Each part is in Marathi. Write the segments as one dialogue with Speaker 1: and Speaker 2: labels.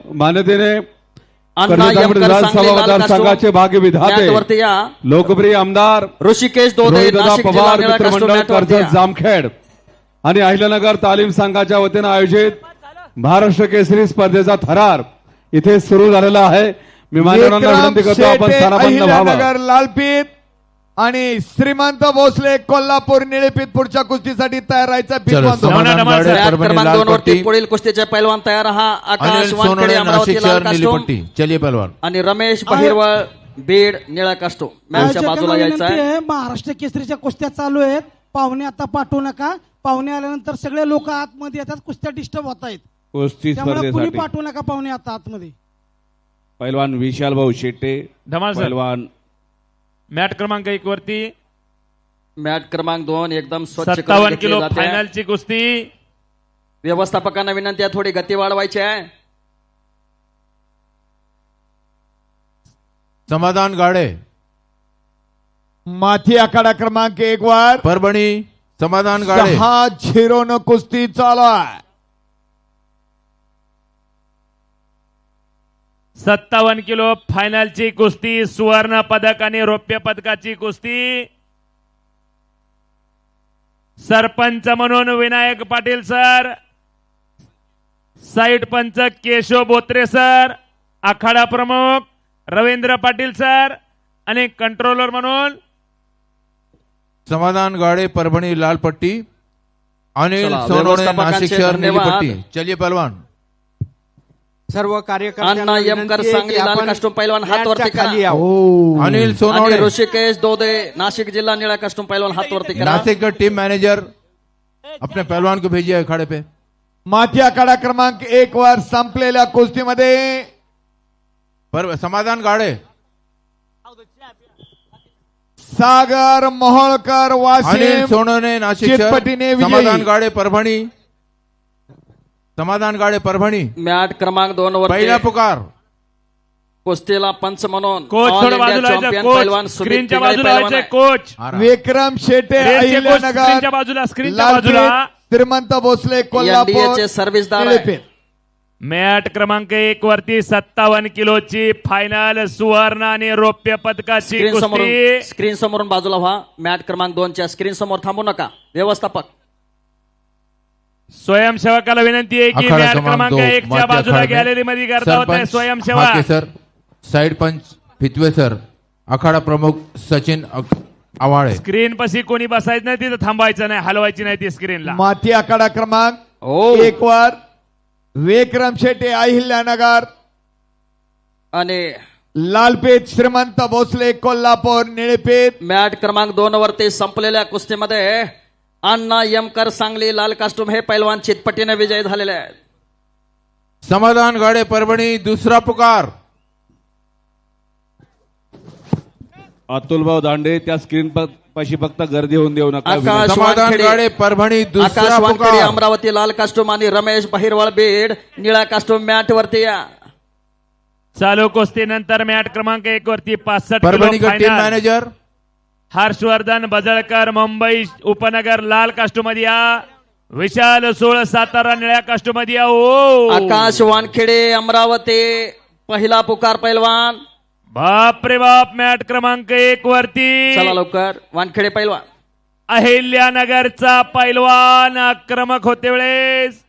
Speaker 1: मान्यतेने
Speaker 2: अण्णा यमकर सांगली लाल
Speaker 1: संघाचे भाग्य विधाते लोकप्रिय आमदार
Speaker 2: ऋषिकेश दोदे नाशिक जिल्हा
Speaker 1: पवार
Speaker 2: निळा
Speaker 1: मित्रमंडळ
Speaker 2: कास्टूम
Speaker 1: कर्जत जामखेड आणि अहिल्यानगर तालीम संघाच्या वतीने आयोजित महाराष्ट्र केसरी स्पर्धेचा थरार इथे सुरू झालेला आहे। मी मान्यवरांना विनंती करतो आपण स्थानापन्न व्हावं।
Speaker 3: लालपीत आणि श्रीमंत भोसले कोल्हापूर निळेपीत पुढच्या कुस्तीसाठी तयार राहायचा
Speaker 2: क्रमांक 2 वरती पुढील कुस्तीचे पैलवान तयार हा आकाश वानखेडे अमरावती लाल कास्टूम
Speaker 4: चलिए पहलवान
Speaker 2: आणि रमेश बहिरवळ बीड निळा कास्टूम मॅचच्या बाजूला यायचं आहे।
Speaker 5: महाराष्ट्र केसरीच्या कुस्त्या चालू आहेत, पाहुणे आता पाठवू नका, पाहुणे आल्यानंतर सगळे लोक आतमध्ये येतात, कुस्त्या डिस्टर्ब होत आहेत,
Speaker 1: कुस्ती
Speaker 5: त्यामुळे कुणी
Speaker 1: स्पर्धेसाठी
Speaker 5: पाठवू नका पाहुणे आता आतमध्ये।
Speaker 1: पैलवान विशाल भाऊ शेट्टे पैलवान
Speaker 6: मॅट क्रमांक 1 वरती
Speaker 2: मॅट क्रमांक 2 एकदम स्वच्छ
Speaker 6: 57 किलो फायनलची कुस्ती।
Speaker 2: व्यवस्थापकांना विनंती आहे थोडी गती वाढवायची आहे।
Speaker 4: समाधान गाडे
Speaker 3: माथी आखाडा क्रमांक 1 वर
Speaker 4: परभणी समाधान गाडे
Speaker 3: 6-0 न कुस्ती चालू आहे।
Speaker 6: 57 किलो फायनलची कुस्ती, सुवर्ण पदक आणि रौप्य पदकाची कुस्ती। सरपंच म्हणून विनायक पाटील सर, साईड पंच केशव बोत्रे सर, आखाडा प्रमुख रवींद्र पाटील सर आणि कंट्रोलर म्हणून
Speaker 4: समाधान गाडे परभणी लाल पट्टी, अनिल सोनवणे नाशिक शहर नीली पट्टी। चलिए पहलवान
Speaker 7: सर्व कार्यकर्त्यांना
Speaker 2: अण्णा यमकर सांगली लाल कास्टूम पैलवान हात वरती करा।
Speaker 4: अनिल सोनवणे
Speaker 2: ऋषिकेश दोदे नासिक जिला नीला कास्टूम पैलवान हाथ वरती करा।
Speaker 4: नासिक का टीम मैनेजर अपने पहलवान को भेजिए अखाड़े पे।
Speaker 3: माथी आखाडा क्रमांक 1 वर संपलेल्या कुस्तीमध्ये
Speaker 4: समाधान गाडे
Speaker 3: सागर मोहोळकर
Speaker 4: अनिल
Speaker 3: वाशिम
Speaker 4: सोनवणे नाशिक
Speaker 3: चितपटीने
Speaker 4: शहर,
Speaker 3: विजयी।
Speaker 4: समाधान गाडे परभणी, समाधान गाडे परभणी
Speaker 2: मॅट क्रमांक 2 वर
Speaker 4: पहिला पुकार
Speaker 2: कुस्तीला पंच म्हणून
Speaker 6: कोच
Speaker 2: ऑल
Speaker 6: थोडं
Speaker 2: इंडिया
Speaker 6: बाजूला
Speaker 2: चॅम्पियन
Speaker 6: कोच
Speaker 2: पैलवान सुमित
Speaker 6: स्क्रीनच्या
Speaker 2: पिंगळे
Speaker 6: बाजूला
Speaker 2: पैलवान
Speaker 6: व्हायचे
Speaker 2: आहे।
Speaker 6: कोच
Speaker 3: विक्रम शेटे अहिल्यानगर
Speaker 6: स्क्रीनच्या बाजूला स्क्रीनच्या बाजूला
Speaker 3: लालपीत श्रीमंत भोसले कोल्हापूर
Speaker 2: NDA चे सर्व्हिसदार आहे।
Speaker 3: निळेपीत।
Speaker 6: मॅट क्रमांक 1 वरती 57 किलोची फायनल, सुवर्ण आणि रौप्य पदकाची कुस्ती।
Speaker 2: स्क्रीन समोरून बाजूला व्हा। मॅट क्रमांक 2 च्या स्क्रीन समोर थांबू नका व्यवस्थापक।
Speaker 6: स्वयंसेवकाला विनंती आहे की मॅट क्रमांक 1 च्या बाजूला गॅलरी मध्ये गर्दा होत आहे। स्वयंसेवक
Speaker 4: सर, साइड पंच फितवे सर, अखाडा प्रमुख सचिन आवाळे।
Speaker 6: स्क्रीन पशी कोणी बसायचं नाही, तिथं थांबायचं नाही, हलवायची नाही ती स्क्रीनला।
Speaker 3: माथी आखाडा क्रमांक 1 वर विक्रम शेटे अहिल्यानगर
Speaker 2: आणि
Speaker 3: लालपेठ श्रीमंत भोसले कोल्हापूर निळेपेठ।
Speaker 2: मॅट क्रमांक 2 वरती संपलेल्या कुस्तीमध्ये अण्णा यमकर सांगली लाल कास्टूम हे पैलवान चितपटीने विजयी झालेले आहेत।
Speaker 4: समाधान गाडे परभणी दुसरा पुकार।
Speaker 1: अतुलभाऊ दांडे त्या स्क्रीन पाशी फक्त गर्दी होऊन देऊ नका।
Speaker 2: आकाश
Speaker 4: समाधान
Speaker 2: वानखेडे
Speaker 4: गाडे परभणी दुसरा
Speaker 2: आकाश वानखेडे
Speaker 4: पुकार।
Speaker 2: अमरावती लाल कास्टूम आणि रमेश बहिरवळ बीड निळा कास्टूम मॅट वरती या।
Speaker 6: चालू कुस्ती नंतर मॅट क्रमांक 1 वरती 65
Speaker 4: परभणी
Speaker 6: किलो
Speaker 4: का team
Speaker 6: final,
Speaker 4: manager
Speaker 6: Harshvardhan Bajalkar Mumbai उपनगर लाल कास्टूम मध्ये या, विशाल सोळ सातारा निळ्या कास्टूम मध्ये या।
Speaker 2: आकाश वानखेडे अमरावती पहिला पुकार पैलवान।
Speaker 6: बाप रे बाप, मॅट क्रमांक 1 वरती
Speaker 2: चला लवकर वानखेडे पैलवान
Speaker 6: अहिल्यानगरचा पैलवान आक्रमक होते वेळेस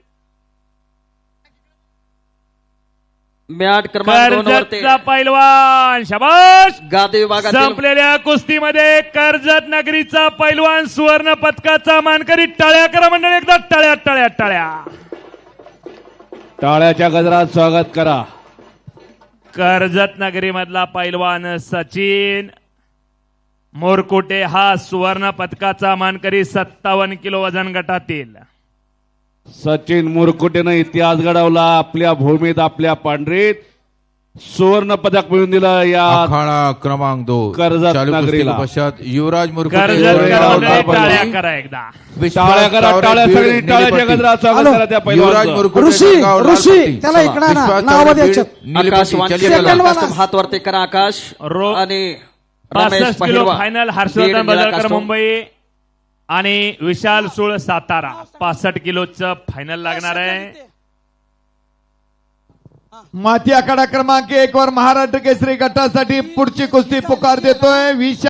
Speaker 2: मॅट क्रमांक 2 वरती
Speaker 6: कर्जतचा पैलवान शाबाश।
Speaker 2: गादी विभागातील
Speaker 6: संपलेल्या कुस्तीमध्ये कर्जत नगरीचा पैलवान सुवर्ण पदकाचा मानकरी। टाळ्या करा मंडळी, एकदा टाळ्या टाळ्या टाळ्या।
Speaker 1: टाळ्याच्या गजरात स्वागत करा।
Speaker 6: कर्जत नगरी मधला पैलवान सचिन मोरकुटे हा सुवर्ण पदकाचा मानकरी 57 किलो वजन गटातील।
Speaker 1: सचिन मुरकुटेनं इतिहास घडवला आपल्या भूमीत, आपल्या पांढरीत सुवर्ण पदक मिळवून दिलं या
Speaker 4: अखाड़ा क्रमांक 2
Speaker 1: कर्जत
Speaker 4: चालू कुस्ती
Speaker 1: नगरीला।
Speaker 4: के पश्चात युवराज मुरकुटे
Speaker 6: टाळ्या करा एकदा,
Speaker 1: टाळ्या करा, टाळ्या सगळी टाळ्याच्या गजरात स्वागत करा त्या
Speaker 4: युवराज
Speaker 1: पैलवानचं।
Speaker 4: मुरकुटे
Speaker 5: ऋषी
Speaker 4: जळगाव लाल
Speaker 5: ऋषी
Speaker 4: पट्टी।
Speaker 5: त्याला इकडे ना
Speaker 4: विश्वास
Speaker 5: नाव
Speaker 4: तावडे
Speaker 5: द्यायचं।
Speaker 4: बीड, नीली
Speaker 2: आकाश
Speaker 4: पट्टी। चलिए
Speaker 2: वानखेडे
Speaker 4: पहलवान।
Speaker 2: लाल कास्टूम हात वरती करा आकाश आणि रमेश
Speaker 6: 65 किलो
Speaker 2: बहिरवळ
Speaker 6: फायनल,
Speaker 2: बीड
Speaker 6: हर्षवर्धन
Speaker 2: निळा
Speaker 6: बजळकर
Speaker 2: कास्टूम।
Speaker 6: मुंबई आणि विशाल सोळ सातारा 65 किलोचं फायनल लागणार आहे।
Speaker 3: माती आखाडा क्रमांक 1 वर महाराष्ट्र केसरी गटासाठी पुढची कुस्ती पुकार देतोय